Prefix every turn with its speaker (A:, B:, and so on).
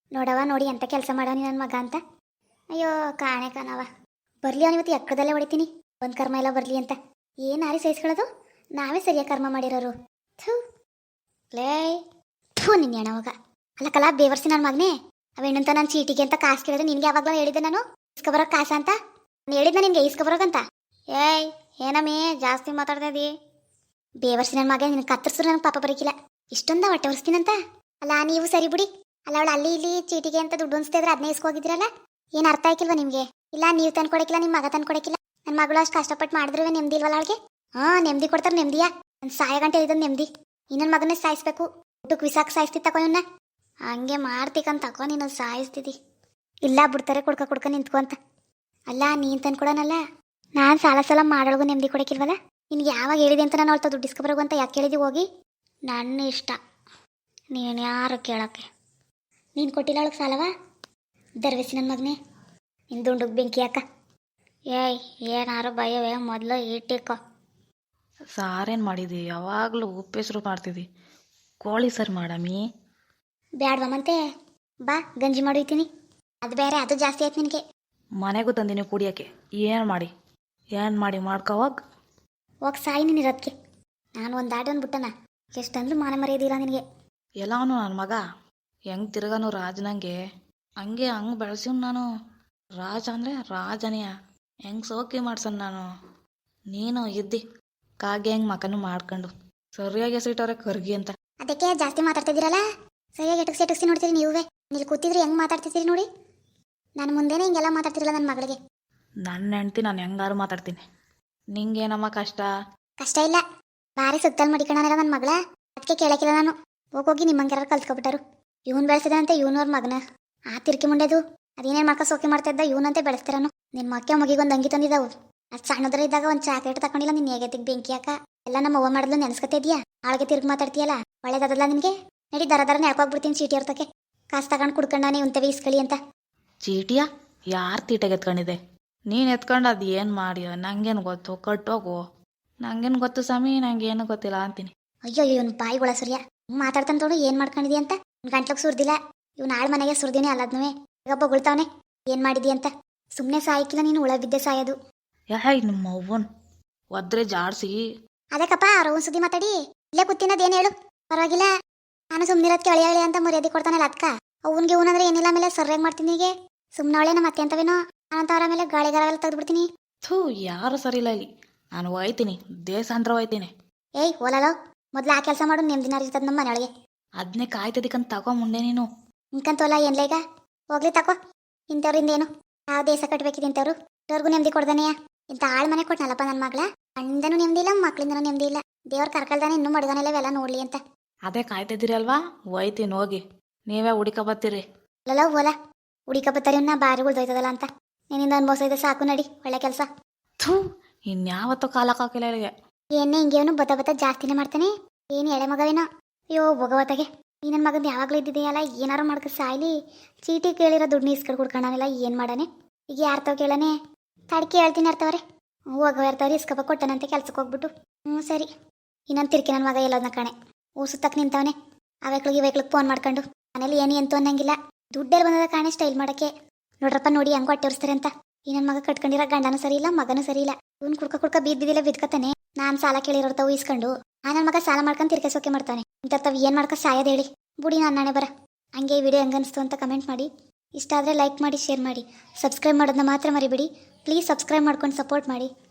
A: ನೋಡವ ನೋಡಿ ಎಂತ ಕೆಲಸ ಮಾಡವನಿ ನನ್ನ ಮಗ ಅಂತ. ಅಯ್ಯೋ ಕಾಣೆ ಕಾಣವ ಬರ್ಲಿ ಅವನಿವತ್ತು ಎಕ್ಕದಲ್ಲೇ ಹೊಡಿತೀನಿ. ಒಂದು ಕರ್ಮ ಎಲ್ಲ ಬರಲಿ ಅಂತ ಏನಾರಿ ಸಹಿಸ್ಕೊಳ್ಳೋದು. ನಾವೇ ಸರಿಯಾಗಿ ಕರ್ಮ ಮಾಡಿರೋರು. ಥೂ ಲೇ ಥೂ ನಿನ್ನ ಹೆಣವಾಗ ಅಲ್ಲಕ್ಕಲ್ಲ ಬೇವರ್ಸಿ ನನ್ನ ಮಗನೇ. ಅವೇನಂತ ನಾನು ಚೀಟಿಗೆ ಅಂತ ಕಾಸು ಕೇಳಿದ್ರೆ ನಿನ್ಗೆ ಯಾವಾಗಲೂ ಹೇಳಿದ್ದೆ ನಾನು ಇಸ್ಕೊಬರೋ ಕಾಸ ಅಂತ. ನಾನು ಹೇಳಿದ್ನ ನಿನ್ಗೆ ಇಸ್ಕೊಬರೋಗಂತ. ಏಯ್ ಏನಮ್ಮಿ ಜಾಸ್ತಿ ಮಾತಾಡ್ತಾ ಇದ್ದೀ. ಬೇವರ್ಸಿ ನನ್ನ ಮಗ ನಿನ್ನ ಕತ್ತರಿಸಿದ್ರು ನನಗೆ ಪಾಪ ಬರೀಕಿಲ್ಲ. ಇಷ್ಟೊಂದ ಹೊಟ್ಟೆ ಹೊರಿಸ್ತೀನಂತ. ಅಲ್ಲ ನೀವು ಸರಿ ಬಿಡಿ. ಅಲ್ಲ ಅವಳು ಅಲ್ಲಿ ಇಲ್ಲಿ ಚೀಟಿಗೆ ಅಂತ ದುಡ್ಡು ಅನ್ಸ್ತಿದ್ರೆ ಅದನ್ನೇ ಇಸ್ಕೋಗಿದ್ರಲ್ಲ. ಏನು ಅರ್ಥ ಆಯ್ಕಿಲ್ವ ನಿಮಗೆ? ಇಲ್ಲ ನೀವು ತಂದು ಕೊಡಕ್ಕಿಲ್ಲ, ನಿಮ್ಮ ಮಗ ತಂದು ಕೊಡಕ್ಕಿಲ್ಲ. ನನ್ನ ಮಗಳು ಅಷ್ಟು ಕಷ್ಟಪಟ್ಟು ಮಾಡಿದ್ರೆ ನೆಮ್ಮದಿ ಇಲ್ವಲ್ಲ ಅವಳಿಗೆ? ನೆಮ್ಮದಿ ಕೊಡ್ತಾರೆ ನೆಮ್ಮದಿಯಾ? ನನ್ನ ಸಾಯ ಗಂಟೆ ಇದ್ದದ್ದು ನೆಮ್ಮದಿ. ಇನ್ನೊಂದು ಮಗನೇ ಸಾಯಿಸ್ಬೇಕು. ಊಟಕ್ಕೆ ವಿಸಾಕ್ ಸಾಯಿಸ್ತಿ ತಗೋ ಇವನ್ನ. ಹಂಗೆ ಮಾಡ್ತಿಕಂತ ತಗೋ ನೀನು ಸಾಯಿಸ್ತಿದ್ದಿ. ಇಲ್ಲ ಬಿಡ್ತಾರೆ ಕುಡ್ಕ ನಿಂತ್ಕೊಂತ. ಅಲ್ಲ ನೀನು ತಂದು ಕೊಡೋನಲ್ಲ. ನಾನು ಸಾಲ ಮಾಡೋಳಗು ನೆಮ್ಮದಿ ಕೊಡಕ್ಕಿಲ್ವಲ್ಲ. ನಿನ್ಗೆ ಯಾವಾಗ ಹೇಳಿದೆ ಅಂತ ನಾನು ಅವಳ್ತ ದುಡ್ಡು ಇಸ್ಕೊಬರೋಗು ಅಂತ ಯಾಕೆ ಹೇಳಿದಿ ಹೋಗಿ? ನನ್ನ ಇಷ್ಟ, ನೀನು ಯಾರು ಕೇಳೋಕ್ಕೆ. ನೀನು ಕೊಟ್ಟಿಲ್ಲ ಅವಳಿಗೆ ಸಾಲವ? ದರ್ವೇಸಿ ನನ್ನ ಮಗನೇ ನಿನ್ನ ದುಂಡುಗೆ ಬೆಂಕಿ ಹಾಕ. ಏಯ್ ಏನಾರು ಭಯವೇ ಮೊದಲು ಇಟ್ಟಿಕೋ.
B: ಸಾರೇನು ಮಾಡಿದಿ? ಯಾವಾಗಲೂ ಉಪ್ಪೆಸರು ಮಾಡ್ತಿದ್ದಿ. ಕೋಳಿ ಸರಿ ಮಾಡಮ್ಮಿ.
A: ಬ್ಯಾಡ್ವಾ ಮತ್ತೆ ಬಾ ಗಂಜಿ ಮಾಡಿತೀನಿ. ಅದು ಬೇರೆ ಅದು ಜಾಸ್ತಿ ಆಯ್ತು ನಿನಗೆ.
B: ಮನೆಗೂ ತಂದಿನಿ ಕುಡಿಯೋಕ್ಕೆ. ಏನು ಮಾಡಿ ಮಾಡ್ಕೋವಾಗ
A: ಹೋಗಿ ಸಾಯಿ ನೀನಿರೋದಕ್ಕೆ. ನಾನು ಒಂದು ದಾಟ ಒಂದು ಬಿಟ್ಟನ ಎಷ್ಟಂದ್ರೂ ಮಾನ ಮರ್ಯಾದಿಲ್ಲ ನಿನಗೆ.
B: ಎಲ್ಲವನು ನನ್ನ ಮಗ ಹೆಂಗೆ ತಿರ್ಗಾನು ರಾಜನಂಗೆ ಹಂಗೆ ಬೆಳೆಸಿವ್ ನಾನು. ರಾಜ ಅಂದರೆ ರಾಜನೆಯ ಹೆಂಗೆ ಸೋಕಿ ಮಾಡ್ಸನ್ ನಾನು. ನೀನು ಇದ್ದಿ ಕಾಗೆ ಹೆಂಗೆ ಮಕನು ಮಾಡ್ಕೊಂಡು ಸರಿಯಾಗಿ ಎಸಿಟ್ಟವ್ರೆ ಕರ್ಗಿ ಅಂತ.
A: ಅದಕ್ಕೆ ಜಾಸ್ತಿ ಮಾತಾಡ್ತಿದ್ದೀರಲ್ಲ. ಸರಿಯಾಗಿ ಎಟಕ್ಸಿ ನೋಡ್ತೀರಿ ನೀವೇ. ಇಲ್ಲಿ ಕೂತಿದ್ರೆ ಹೆಂಗೆ ಮಾತಾಡ್ತಿದ್ದೀರಿ ನೋಡಿ. ನಾನು ಮುಂದೆನೇ ಹಿಂಗೆಲ್ಲ ಮಾತಾಡ್ತಿರಲ್ಲ ನನ್ನ ಮಗಳಿಗೆ.
B: ನನ್ನ ಹೆಂಡ್ತಿ ನಾನು ಹೆಂಗಾರು ಮಾತಾಡ್ತೀನಿ. ನಿಂಗೇನಮ್ಮ ಕಷ್ಟ?
A: ಕಷ್ಟ ಇಲ್ಲ. ಭಾರಿ ಸುತ್ತಲ್ ಮಡಿಕಣಲ್ಲ ನನ್ನ ಮಗಳ. ಅದಕ್ಕೆ ಕೇಳಕ್ಕಿಲ್ಲ ನಾನು. ಹೋಗೋಗಿ ನಿಮ್ಮಂಗೆಲ್ಲ ಕಲ್ತ್ಕೊಬಿಟ್ಟಾರು. ಇವನು ಬೆಳೆಸಿದಂತೆ ಇವನವ್ರ ಮಗನ ಆ ತಿರ್ಕಿ ಮುಂಡೆದು ಅದೇನೇನು ಮಾಡ್ಕೊ ಸೋಕೆ ಮಾಡ್ತಾ ಇದ್ದ ಇವನಂತೆ ಬೆಳೆಸ್ತಾರನು. ನಿನ್ನ ಮಕ್ಕ ಮಗಿಗೊಂದು ಅಂಗಿ ತಂದಿದ್ದಾವು. ಅದು ಸಣ್ಣದ್ರ ಇದ್ದಾಗ ಒಂದು ಚಾಕ್ಲೇಟ್ ತಗೊಂಡಿಲ್ಲ. ನಿನ್ನ ಹೇಗೈತಿಗೆ ಬೆಂಕಿ ಹಾಕ ಎಲ್ಲ ನಮ್ಮ ಅವ್ವ ಮಾಡಿದ್ಲು ನೆನೆಸ್ಕೊತಿದ್ಯಾ? ಆಳ್ಗೆ ತಿರ್ಗಿ ಮಾತಾಡ್ತೀಯಲ್ಲ ಒಳ್ಳೇದಲ್ಲ ನಿನಗೆ. ನಡಿ ದರ ನೆಡ್ಕೋಗ್ಬಿಡ್ತೀನಿ ಚೀಟಿ ಇರ್ತಕ್ಕೆ. ಕಾಸು ತಗೊಂಡು ಕುಡ್ಕೊಂಡಾನೆ ಉಂತವೆ ಇಸ್ಕಳಿ ಅಂತ.
B: ಚೀಟಿಯ ಯಾರು ತೀಟೆಗೆ ಎತ್ಕೊಂಡಿದೆ? ನೀನು ಎತ್ಕೊಂಡು ಅದು ಏನು ಮಾಡಿಯ? ನಂಗೇನು ಗೊತ್ತು? ಕಟ್ಟೋಗು. ನಂಗೇನು ಗೊತ್ತು ಸ್ವಾಮಿ, ನಂಗೇನು ಗೊತ್ತಿಲ್ಲ ಅಂತೀನಿ.
A: ಅಯ್ಯೋ ಇವನು ಬಾಯಿಗೊಳ ಸರಿಯ ಮಾತಾಡ್ತಾನೆ ತೋಡು. ಏನು ಮಾಡ್ಕೊಂಡಿದಿ ಅಂತ ಗಂಟ್ಲಕ್ಕೆ ಸುರ್ದಿಲ್ಲ. ಇವ್ನು ಆಳ್ ಮನೆಗೆ ಸುರ್ದಿನಿ ಅಲ್ಲದ್ನೂ ಈಗ ಬೊಗಳ್ತಾವನೆ. ಏನು ಮಾಡಿದಿ ಅಂತ. ಸುಮ್ಮನೆ ಸಾಯಕ್ಕಿಲ್ಲ ನೀನು, ಉಳ ಬಿದ್ದೆ ಸಾಯೋದು.
B: ಯಾಯ್ ನಿಮ್ಮ ಅವ್ವನ್ ಒದ್ರೆ ಜಾಡ್ಸಿ.
A: ಅದಕ್ಕಪ್ಪ ಅವ್ರ ಸುದ್ದಿ ಮಾತಾಡಿ ಇಲ್ಲೇ ಕೂತಿನದೇನು ಹೇಳು. ಪರವಾಗಿಲ್ಲ. ನಾನು ಸುಮ್ಮನಿರೋದಕ್ಕೆ ಅಳಿ ಅಂತ ಮರ್ಯಾದೆ ಕೊಡ್ತಾನಲ್ಲ ಅದಕ್ಕ. ಅವನ್ಗೆ ಇವನಂದ್ರೆ ಏನಿಲ್ಲ ಮೇಲೆ ಸರ್ಯಾಗಿ ಮಾಡ್ತೀನಿ. ಹೀಗೆ ಸುಮ್ಮನೆ ಅವಳೆ ನಮ್ಮ ಮತ್ತೆ ಅಂತವೇನೋ ಅನಂತವರ ಮೇಲೆ ಗಾಳಿಗಾರವೆಲ್ಲ ತೆಗೆದ್ಬಿಡ್ತೀನಿ.
B: ಥೂ ಯಾರು ಸರಿ ಇಲ್ಲ ಇಲ್ಲಿ. ನಾನು ಹೋಯ್ತೀನಿ, ದೇಶಾಂತರ ಹೋಯ್ತೀನಿ.
A: ಏಯ್ ಓಲಲ್ಲೋ ಮೊದ್ಲು ಆ ಕೆಲಸ ಮಾಡು. ನೆಮ್ಮದಿನ ಇರ್ತದ ನಮ್ಮ ಮನೆಯೊಳಗೆ.
B: ಅದನ್ನೇ ಕಾಯ್ತದಿಕ್ಕಂತ ತಗೋ ಮುಂದೆ ನೀನು.
A: ಇಂಕಂತೋಲ್ಲ ಏನ್ಲ ಈಗ ಹೋಗ್ಲಿ ತಕೋ. ಇಂಥವ್ರಿಂದೇನು ಯಾವ ದೇಶ ಕಟ್ಟಬೇಕಿದೆ ಇಂಥವ್ರು. ಇವ್ರಿಗೂ ನೆಮ್ಮದಿ ಕೊಡ್ದಾನೆಯಾ? ಇಂಥ ಆಳ್ ಮನೆ ಕೊಟ್ನಲ್ಲಪ್ಪ ನನ್ನ ಮಗಳ. ಗಂಡನೂ ನೆಮ್ಮದಿ ಇಲ್ಲ, ಮಕ್ಳಿಂದನೂ ನೆಮ್ಮದಿ ಇಲ್ಲ. ದೇವ್ರ ಕರ್ಕಲ್ದಾನೆ ಇನ್ನೂ ಮಡ್ಗಾನೆಲ್ಲ ಇವೆಲ್ಲ ನೋಡ್ಲಿ ಅಂತ.
B: ಅದೇ ಕಾಯ್ತಿದ್ದೀರಿ ಅಲ್ವಾ? ಹೋಯ್ತೀನಿ ಹೋಗಿ. ನೀವೇ ಹುಡುಕ ಬರ್ತೀರಿ.
A: ಅಲ್ಲಲ್ಲ ಓಲ ಹುಡಿಕ ಬತ್ತಾರಿ ಇನ್ನ ಬಾರಿ ಉಳ್ದೋಯ್ತದಲ್ಲ ಅಂತ. ನಿನ್ನಿಂದ ಅನ್ಭವಿಸ ಇದೆ ಸಾಕು. ನಡಿ ಒಳ್ಳೆ ಕೆಲಸ.
B: ಥೂ ಇನ್ಯಾವತ್ತೂ ಕಾಲಕ್ಕಾಕಿಲ್ಲ ಇಲ್ಲಿಗೆ.
A: ಏನೇ ಹಿಂಗೇವನು ಬತ್ತ ಜಾಸ್ತಿನೇ ಮಾಡ್ತಾನೆ. ಏನು ಎಳೆ ಮಗವೇನೋ. ಅಯ್ಯೋ ಭಗವತಗೆ ಈ ನನ್ನ ಮಗಂದು ಯಾವಾಗಲೂ ಇದ್ದಿದೆಯಲ್ಲ. ಏನಾರು ಮಾಡ್ಕ ಸಾಯ್ಲಿ. ಚೀಟಿ ಕೇಳಿರೋ ದುಡ್ಡು ಇಸ್ಕಡ್ ಕುಡ್ಕೊಂಡಾನೆಲ್ಲ ಏನು ಮಾಡಾನೆ ಈಗ? ಯಾರ್ತಾವ ಕೇಳನೆ? ತಡ್ಕಿ ಹೇಳ್ತೀನಿ ಇರ್ತವ್ರೆ. ಹೋಗವ ಇರ್ತವ್ರಿ ಇಸ್ಕಪ್ಪ ಕೊಟ್ಟನಂತೆ ಕೆಲ್ಸಕ್ಕೆ ಹೋಗ್ಬಿಟ್ಟು. ಸರಿ ಇನ್ನೊಂದು ತಿರ್ಕಿ ನನ್ನ ಮಗ ಎಲ್ಲೋದನ್ನ ಕಾಣೆ ಊಸುತ್ತಕ್ಕೆ ನಿಂತವನೆ. ಆ ವೆಕ್ಳಿಗೆ ಫೋನ್ ಮಾಡ್ಕೊಂಡು ಮನೇಲಿ ಏನು ಎಂತೂ ಅನ್ನಂಗಿಲ್ಲ. ದುಡ್ಡೆಲ್ಲ ಬಂದದ ಕಾಣೆ ಸ್ಟೈಲ್ ಮಾಡೋಕ್ಕೆ. ನೋಡ್ರಪ್ಪ ನೋಡಿ ಹೆಂಗೆ ಹೊಟ್ಟೆ ಹೊರಿಸ್ತಾರೆ ಅಂತ. ಈ ನನ್ನ ಮಗ ಕಟ್ಕೊಂಡಿರೋ ಗಂಡನೂ ಸರಿ ಇಲ್ಲ, ಮಗನೂ ಸರಿ ಇಲ್ಲ. ಇವ್ನು ಕುಡ್ಕ ಬಿದ್ದಿದ್ದಿಲ್ಲ ಬಿದ್ಕತಾನೆ. ನಾನು ಸಾಲ ಕೇಳಿರೋರ್ತಾವು ಇಸ್ಕೊಂಡು ಆ ನನ್ನ ಮಗ ಸಾಲ ಮಾಡ್ಕೊಂಡು ತಿರ್ಕೆ ಮಾಡ್ತಾನೆ. ಇಂಥವ್ ಏನು ಮಾಡ್ಕೊ ಸಾಯೋದು ಹೇಳಿ. ಬುಡಿ ನನ್ನ ನಾಣೆ ಬರ. ಹಂಗೆ ಈ ವಿಡಿಯೋ ಹೆಂಗನ್ನಿಸ್ತು ಅಂತ ಕಮೆಂಟ್ ಮಾಡಿ. ಇಷ್ಟ ಆದರೆ ಲೈಕ್ ಮಾಡಿ, ಶೇರ್ ಮಾಡಿ, ಸಬ್ಸ್ಕ್ರೈಬ್ ಮಾಡೋದನ್ನ ಮಾತ್ರ ಮರಿಬೇಡಿ. ಪ್ಲೀಸ್ ಸಬ್ಸ್ಕ್ರೈಬ್ ಮಾಡ್ಕೊಂಡು ಸಪೋರ್ಟ್ ಮಾಡಿ.